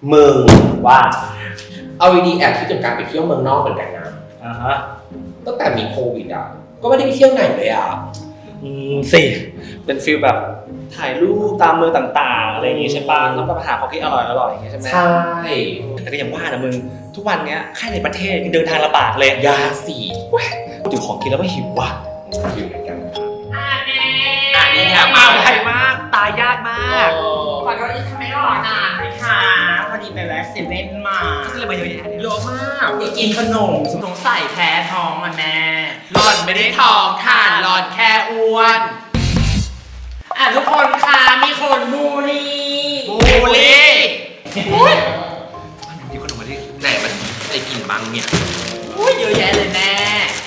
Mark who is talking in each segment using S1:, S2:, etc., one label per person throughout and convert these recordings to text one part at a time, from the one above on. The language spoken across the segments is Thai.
S1: มึง
S2: ว่า
S1: เอาดีๆแอบคิดถึงการไปเที่ยวเมืองนอกเหมือนกันนะตั้งแต่มีโควิดอ่ะก็ไม่ได้ไปเที่ยวไหนเลยอ่ะ
S2: สิเป็นฟีลแบบถ่ายรูปตามเมืองต่างๆอะไรอย่างงี้ใช่ป่ะแล้วก็ไปหาของที่อร่อยๆอย่างเงี้ยใช่ไหม
S1: ใช่
S2: แต่ก็อย่างว่านะมึงทุกวันเนี้ยแค่ในประเทศเดินทางลำบากเลย
S1: ยาสี
S2: ถึงของกินแล้วก็หิวว่ะ
S1: หิวเหมือนกัน
S2: นี่อะมาไวมากตายยากมาก
S3: ขอโทษที่ทำไม่รอนานนะคะพอดีไปแวะเซเว่นมา
S2: ซื้ออะไรมาเยอะแยะ
S3: เยอะมากอยากกินขนมสงสัยแพ้ท้องอ่ะแม่หล่อนไม่ได้ท้องค่ะหล่อนแค่อ้วนทุกคนค่ะมีคนบูลลี่
S2: มีขนมมาดิ
S1: ไหนมันได้กินบ้างเนี่ย
S3: เยอะแยะเลยแม่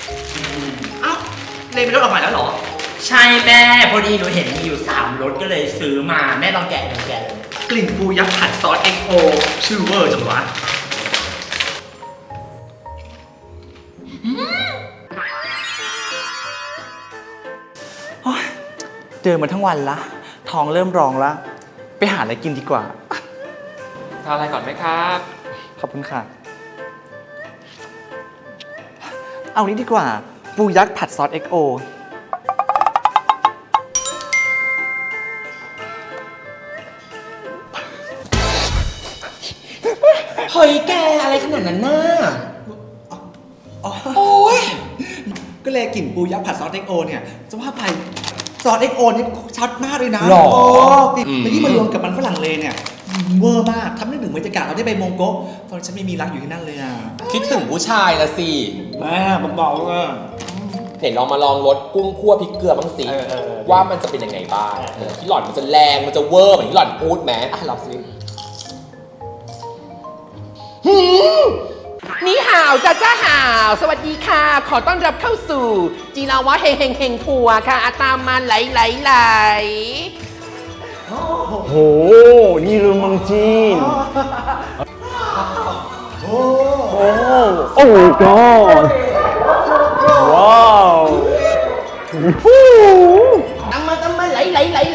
S2: เลยไม่ลดออกมาแล้วเหรอ
S3: ใช่แม่พอดีหนูเห็นมีอยู่3รสก็เลยซื้อมาแม่ลองแกะเลย
S2: กลิ่นปูยักษ์ผัดซอส XO ชื่อเวอร์จังวะเจอมาทั้งวันละท้องเริ่มร้องละไปหาอะไรกินดีกว่า
S4: ทานอะไรก่อนไหมครับ
S2: ขอบคุณค่ะเอานี้ดีกว่าปูยักษ์ผัดซอส XO
S1: เฮ้ยแกอะไรขนาดนั้นน่ะ
S2: โอ้ยก็เลยกลิ่นปูยักษ์ผัดซอส XO เนี่ยจะว่าไปซอส XO นี่ชัดมากเลยนะ
S1: หรอ
S2: แต่ที่มารวมกับมันฝรั่งเลยเนี่ยเวอร์มากทำให้ถึงบรรยากาศเราได้ไปมงโกะตอนฉันไม่มีรักอยู่ที่นั่นเลยอ่ะ
S1: คิดถึงผู้ชายละสิ
S2: แม่บอกว่า
S1: เห็นลองมาลองรสกุ้งคั่วพริกเกลือบ้างสิว่ามันจะเป็นยังไงบ้างที่หล่อนมันจะแรงมันจะเวอร์เหมือนที่หล่อนพูดไหมลองสิ
S3: นี่ห่าวจ้าห่าวสวัสดีค่ะขอต้อนรับเข้าสู่จีราวะเฮงทัวร์ค่ะตามมาไหล
S5: โหนี่เรื่องเมืองจีนโอ้โอ้ my god ว้าว
S3: ตั้งมาไหล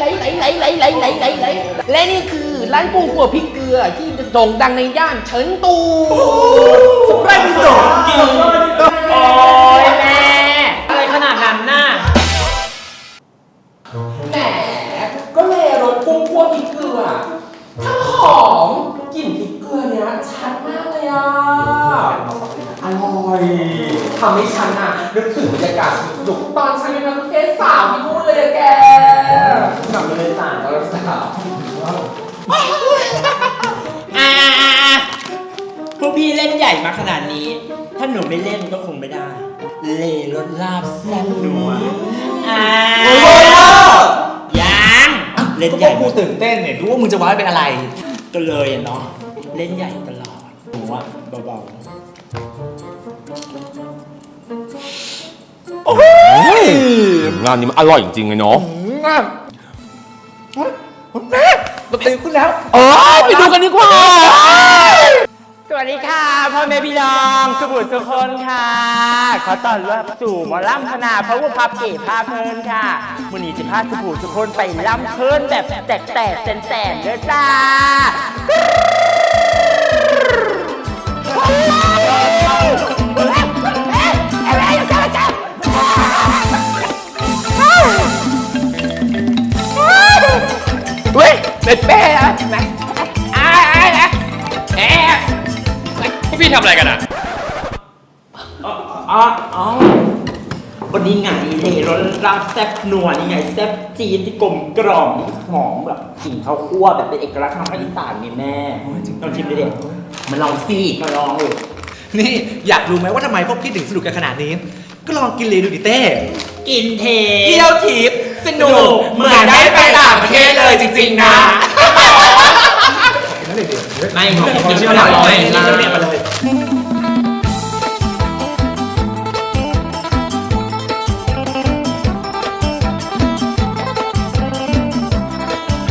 S3: และนี่คือร้านกุ้งคั่วพริกเกลือที่โด่งดังในย่านเฉินตูสุดแรกเป็นโด่งจริงโอ้ยแม่อะไรขนาดนั้นน่ะแหมก็เลยรสกุ้งคั่วพริกเกลือทั้งหอมกลิ่นพริกเกลือเนี้ยชัดมากเลยอ่ะอร่อยทำให้ฉันอ่ะนึกถึงบรรยากาศสนุกตอนฉันเป็นนักเทศสาวที่พูดเลยอะแกกลับมาเลยต่างตอนสาวพวกพี่เล่นใหญ่มาขนาดนี้ถ้าหนูไม่เล่นก็คงไม่ได้เล่รสลาบแซ่บนัวยังเล่นใหญ่
S2: กูตื่นเต้นเนี่ยรู้ว่ามึงจะว้าเป็นอะไร
S3: ก็เลยเนาะเล่นใหญ่ตลอดหนูว่าเบา
S1: โอ้ยงานนี้มันอร่อยจริงๆเลยเนาะ
S2: แม่มาตื่นขึ้นแล้ว
S1: ไปดูกันดีกว่า
S3: สวัสดีค่ะพ่อแม่พี่น้องสุบุตรทุกคนค่ะขอต้อนรับสู่หมอลำธนาพระวุฒิภาพเก๋พาเพลินค่ะวันนี้จะพาสุบุตรทุกคนไปลำเพลินแบบแตกแสนเด้อจ้าเฮ้ยเป็นเป้อะไหน
S4: พวกพี่ทำอะไรกันอ่ะ
S3: วันนี้ไงรสลาบแซ่บนัวนี่ไงแซ่บจีนที่กลมกล่อมหอมแบบกลิ่นข้าวคั่วแบบเป็นเอกลักษณ์ทางภาคอีสานนี่แม่ลองชิมดิเด็กมันลองสิมาลองเลย
S2: นี่อยากรู้ไหมว่าทำไมพวกพี่ถึงสนุกกันขนาดนี้ก็ลองกินเลยดูดิเต้
S3: กินเท
S2: เที่ยวทิพย์สนุกเหมือนได้ไปต่างประเทศเลยจริงๆนะ
S3: ไม่กินอร่อย